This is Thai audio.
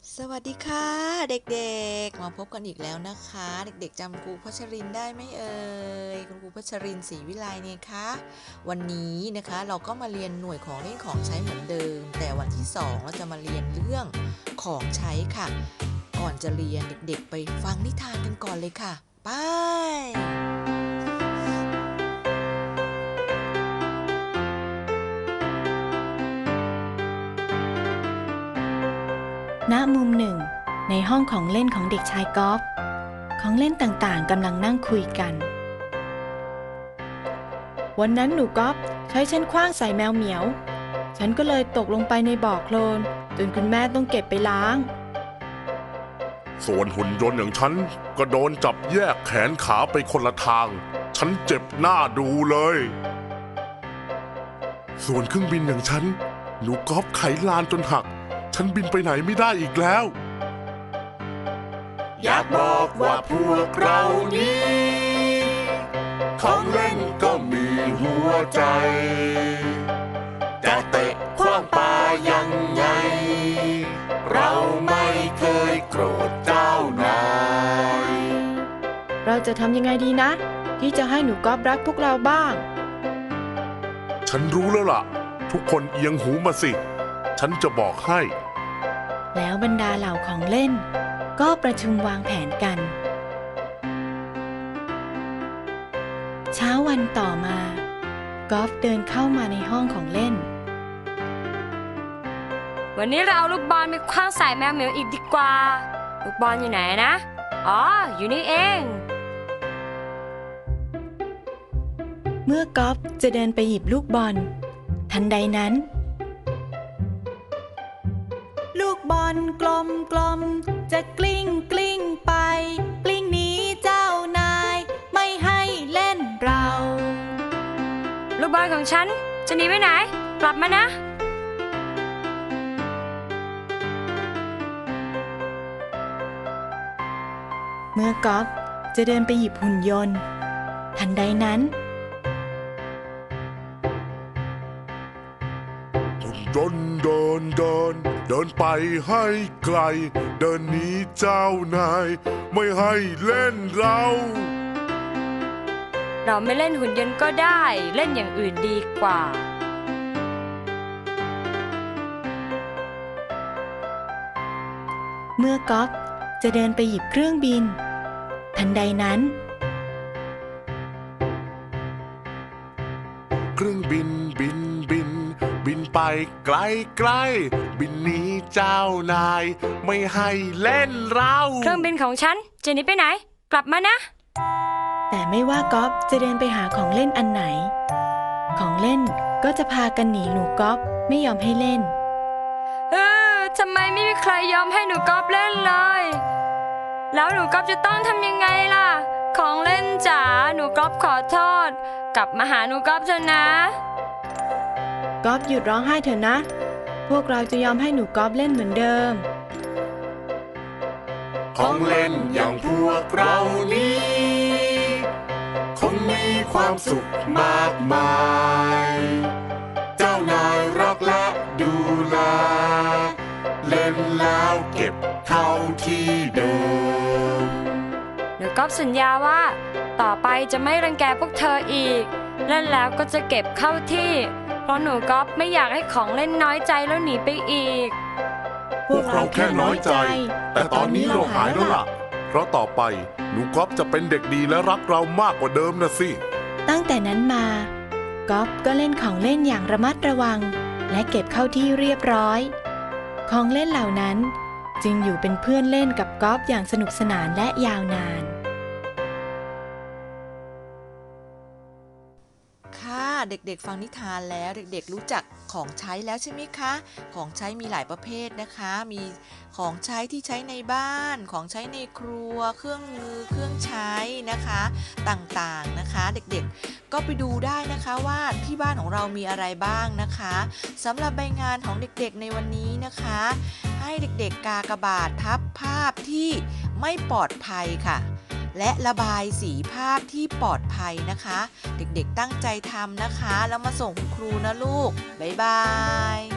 สวัสดีค่ะเด็กๆมาพบกันอีกแล้วนะคะเด็กๆจำครูพัชรินได้ไหมเอ่ยคุณครูพัชรินศรีวิไลเนี่ยคะวันนี้นะคะเราก็มาเรียนหน่วยของเล่นของใช้เหมือนเดิมแต่วันที่2เราจะมาเรียนเรื่องของใช้ค่ะก่อนจะเรียนเด็กๆไปฟังนิทานกันก่อนเลยค่ะไปณมุมหนึ่งในห้องของเล่นของเด็กชายกอล์ฟของเล่นต่างๆกำลังนั่งคุยกันวันนั้นหนูกอล์ฟใช้ฉันขว้างใส่แมวเหมียวฉันก็เลยตกลงไปในบ่อโคลนจนคุณแม่ต้องเก็บไปล้างส่วนหุ่นยนต์อย่างฉันก็โดนจับแยกแขนขาไปคนละทางฉันเจ็บหน้าดูเลยส่วนเครื่องบินอย่างฉันหนูกอล์ฟไขลานจนหักฉันบินไปไหนไม่ได้อีกแล้วอยากบอกว่าพวกเรานี้ของเล่นก็มีหัวใจแต่เตะขว้างปายังไงเราไม่เคยโกรธเจ้านายเราจะทำยังไงดีนะที่จะให้หนูกอล์ฟรักพวกเราบ้างฉันรู้แล้วล่ะทุกคนเอียงหูมาสิฉันจะบอกให้แล้วบรรดาเหล่าของเล่นก็ประชุมวางแผนกันเช้าวันต่อมากอล์ฟเดินเข้ามาในห้องของเล่นวันนี้เราเอาลูกบอลไปขว้างใส่แมวเหมียวอีกดีกว่าลูกบอลอยู่ไหนนะอ๋ออยู่นี่เองเมื่อกอล์ฟจะเดินไปหยิบลูกบอลทันใดนั้นลูกบอลกลมๆจะกลิ้งไปกลิ้งหนีเจ้านายไม่ให้เล่นเราลูกบอลของฉันจะหนีไปไหนกลับมานะเมื่อกอล์ฟจะเดินไปหยิบหุ่นยนต์ทันใดนั้นหุ่นยนต์เดินไปให้ไกลเดินหนีเจ้านายไม่ให้เล่นเราไม่เล่นหุ่นยนต์ก็ได้เล่นอย่างอื่นดีกว่าเมื่อกอล์ฟจะเดินไปหยิบเครื่องบินทันใดนั้นเครื่องบินบินไปไกลบินหนีเจ้านายไม่ให้เล่นเราเครื่องบินของฉันจะหนีไปไหนกลับมานะแต่ไม่ว่ากอล์ฟจะเดินไปหาของเล่นอันไหนของเล่นก็จะพากันหนีหนูกอล์ฟไม่ยอมให้เล่นทำไมไม่มีใครยอมให้หนูกอล์ฟเล่นเลยแล้วหนูกอล์ฟจะต้องทำยังไงล่ะของเล่นจ๋าหนูกอล์ฟขอโทษกลับมาหาหนูกอล์ฟเถอะนะกอล์ฟหยุดร้องไห้เถอะนะพวกเราจะยอมให้หนูกอล์ฟเล่นเหมือนเดิมของเล่นอย่างพวกเรานี้คงมีความสุขมากมายเจ้านายรักและดูแลเล่นแล้วเก็บเข้าที่เดิมหนูกอล์ฟสัญญาว่าต่อไปจะไม่รังแกพวกเธออีกเล่นแล้วก็จะเก็บเข้าที่เพราะหนูกอล์ฟไม่อยากให้ของเล่นน้อยใจแล้วหนีไปอีกพวกเราแค่น้อยใจแต่ตอนนี้เราหายแล้วล่ะเพราะต่อไปหนูก๊อฟจะเป็นเด็กดีและรักเรามากกว่าเดิมนะสิตั้งแต่นั้นมากอล์ฟก็เล่นของเล่นอย่างระมัดระวังและเก็บเข้าที่เรียบร้อยของเล่นเหล่านั้นจึงอยู่เป็นเพื่อนเล่นกับกอล์ฟอย่างสนุกสนานและยาวนานค่ะเด็กๆฟังนิทานแล้วเด็กๆรู้จักของใช้แล้วใช่ไหมคะของใช้มีหลายประเภทนะคะมีของใช้ที่ใช้ในบ้านของใช้ในครัวเครื่องมือเครื่องใช้นะคะต่างๆนะคะเด็กๆก็ไปดูได้นะคะว่าที่บ้านของเรามีอะไรบ้างนะคะสำหรับใบงานของเด็กๆในวันนี้นะคะให้เด็กๆกากบาททับภาพที่ไม่ปลอดภัยค่ะและระบายสีภาพที่ปลอดภัยนะคะเด็กๆตั้งใจทำนะคะแล้วมาส่งคุณครูนะลูกบ๊ายบาย